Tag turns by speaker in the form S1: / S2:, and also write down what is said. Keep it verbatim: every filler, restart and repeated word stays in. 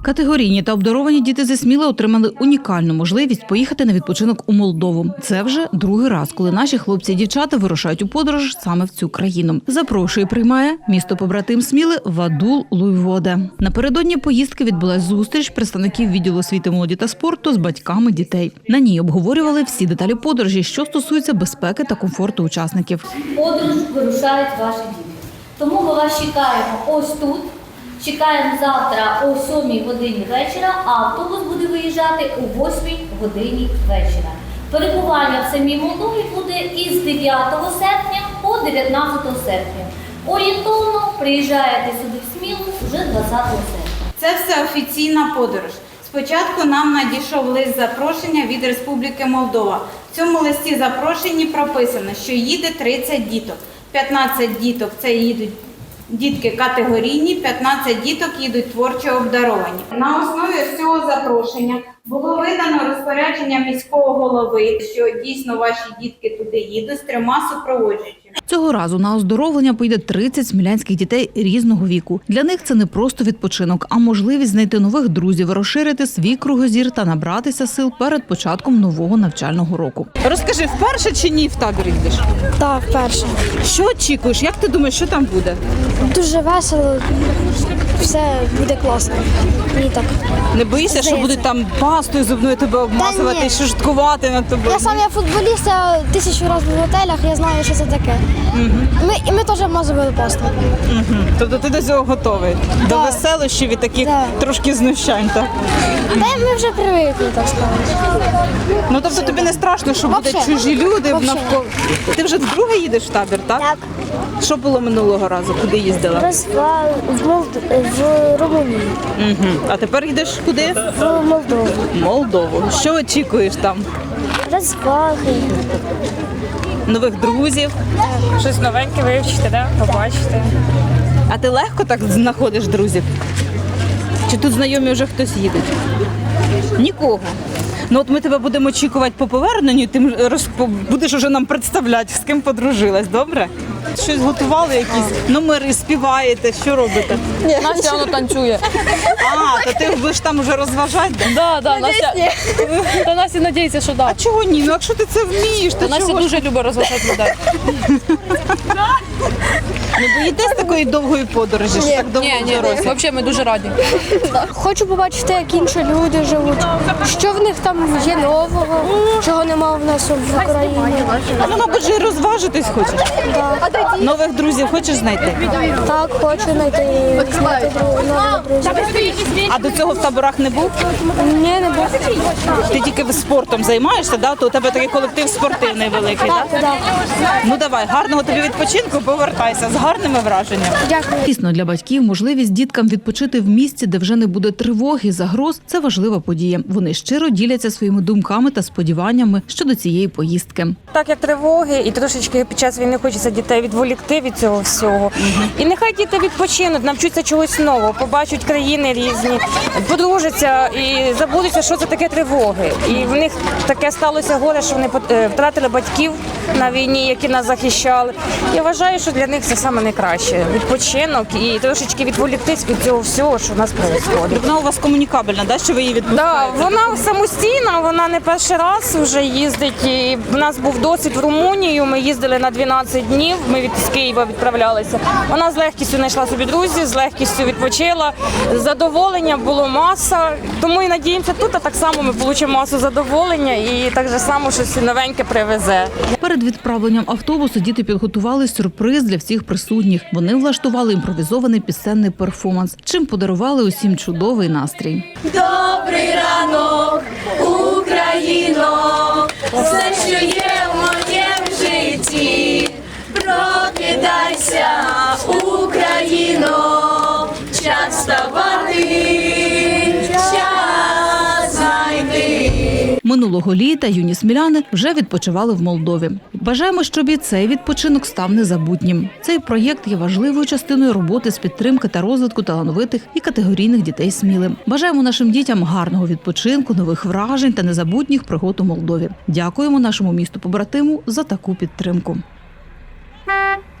S1: Категорійні та обдаровані діти зі Сміли отримали унікальну можливість поїхати на відпочинок у Молдову. Це вже другий раз, коли наші хлопці і дівчата вирушають у подорож саме в цю країну. Запрошує і приймає місто-побратим Сміли Вадул Луйводе. Напередодні поїздки відбулась зустріч представників відділу освіти, молоді та спорту з батьками дітей. На ній обговорювали всі деталі подорожі, що стосуються безпеки та комфорту учасників.
S2: Подорож вирушають ваші діти. Тому ми вас чекаємо ось тут. Чекаємо завтра о сьомій годині вечора, а автобус буде виїжджати о восьмій годині вечора. Перебування в самій Молдові буде із дев'ятого серпня по дев'ятнадцяте серпня. Орієнтовно приїжджаєте сюди в Смілу вже двадцятого серпня.
S3: Це все офіційна подорож. Спочатку нам надійшов лист запрошення від Республіки Молдова. В цьому листі запрошенні прописано, що їде тридцять діток. п'ятнадцять діток – це їдуть дітки категорійні, п'ятнадцять діток їдуть творчо обдаровані. На основі цього запрошення було видано розпорядження міського голови, що дійсно ваші дітки туди їдуть з трьома супроводжуючими.
S1: Цього разу на оздоровлення поїде тридцять смілянських дітей різного віку. Для них це не просто відпочинок, а можливість знайти нових друзів, розширити свій кругозір та набратися сил перед початком нового навчального року.
S4: Розкажи, вперше чи ні в табір йдеш?
S5: Так, вперше.
S4: Що очікуєш? Як ти думаєш, що там буде?
S5: Дуже весело, все буде класно. Мені так.
S4: Не боїшся, що будуть там пастою зубною тебе обмазувати,
S5: ні.
S4: що жорсткувати над тобою?
S5: Я сам я футболіст, я тисячу разів був в готелях, я знаю, що це таке.
S4: Угу.
S5: Ми, і ми теж обмазували пасту.
S4: Угу. Тобто ти до цього готовий?
S5: Да.
S4: До веселощів і таких
S5: Да.
S4: трошки знущань, так?
S5: Та ми вже привикли, так сказати.
S4: Ну тобто тобі не страшно, що будуть
S5: Вообще.
S4: чужі люди
S5: Вообще.
S4: навколо? Ти вже вдруге їдеш в табір, так?
S5: Так.
S4: Що було минулого разу? Куди їздила?
S5: Розвал в, Молд... в Румунії,
S4: Угу. А тепер їдеш куди?
S5: в Молдову.
S4: Молдову. Що очікуєш там?
S5: Розваги.
S4: Нових друзів?
S6: Щось новеньке вивчити, да? Побачити.
S4: А ти легко так знаходиш друзів? Чи тут знайомі вже хтось їде? Нікого. Ну от ми тебе будемо очікувати по поверненню, ти розп... будеш уже нам представляти, з ким подружилась, добре? Щось готували, якісь номери, співаєте, що робите?
S6: Настя воно танцює.
S4: А, то ти будеш там уже розважати? Да?
S6: Да, да, Настя. Та Настя надіється, що
S4: А
S6: да.
S4: чого ні? Ну якщо ти це вмієш, то
S6: Настя
S4: чого ж?
S6: дуже любить розважати людей.
S4: Не боїтесь такої довгої подорожі, що так довго
S6: Ні, ні,
S4: дорозі?
S6: взагалі ми дуже раді.
S5: Хочу побачити, як інші люди живуть, що в них там є нового, чого немає в нас в Україні.
S4: А ну, мабуть, же і розважитись хочеш? Нових друзів хочеш знайти?
S5: Так, хочу знайти, знайти дру- нових друзів.
S4: А до цього в таборах не був?
S5: Ні, не був.
S4: Ти тільки спортом займаєшся, да? То у тебе такий колектив спортивний великий, так?
S5: Так, так.
S4: Ну давай, гарного тобі відпочинку, повертайся з гарними враженнями.
S5: Дякую.
S1: Дійсно, для батьків можливість діткам відпочити в місці, де вже не буде тривоги, загроз – це важлива подія. Вони щиро діляться своїми думками та сподіваннями щодо цієї поїздки.
S7: Так як тривоги, і трошечки під час війни хочеться дітей відволікти від цього всього. І нехай діти відпочинуть, навчуться чогось нового, побачать країни різні, подружаться і забудуться, що це таке тривоги. І в них таке сталося горе, що вони е, втратили батьків на війні, які нас захищали. Я вважаю, що для них це саме найкраще. Відпочинок і трошечки відволіктись від цього всього, що в нас відбувається.
S4: Вона у вас комунікабельна, да? Що ви її відпускаєте?
S7: Да, вона самостійна, вона не перший раз вже їздить. І в нас був досвід в Румунію. Ми їздили на дванадцять днів. Ми від з Києва відправлялися. Вона з легкістю знайшла собі друзів, з легкістю відпочила. Задоволення було маса. Тому і надіємося тут, а так само ми отримаємо масу задоволення і так же само щось новеньке привезе.
S1: Перед відправленням автобусу діти підготували сюрприз для всіх присутніх. Вони влаштували імпровізований пісенний перформанс, чим подарували усім чудовий настрій.
S8: Добрий ранок, Україно, все, що є в моєму житті. Прокидайся, Україно, час вставати, час знайти.
S1: Минулого літа юні сміляни вже відпочивали в Молдові. Бажаємо, щоб і цей відпочинок став незабутнім. Цей проєкт є важливою частиною роботи з підтримки та розвитку талановитих і категорійних дітей Сміли. Бажаємо нашим дітям гарного відпочинку, нових вражень та незабутніх пригод у Молдові. Дякуємо нашому місту-побратиму за таку підтримку.
S8: Thank you.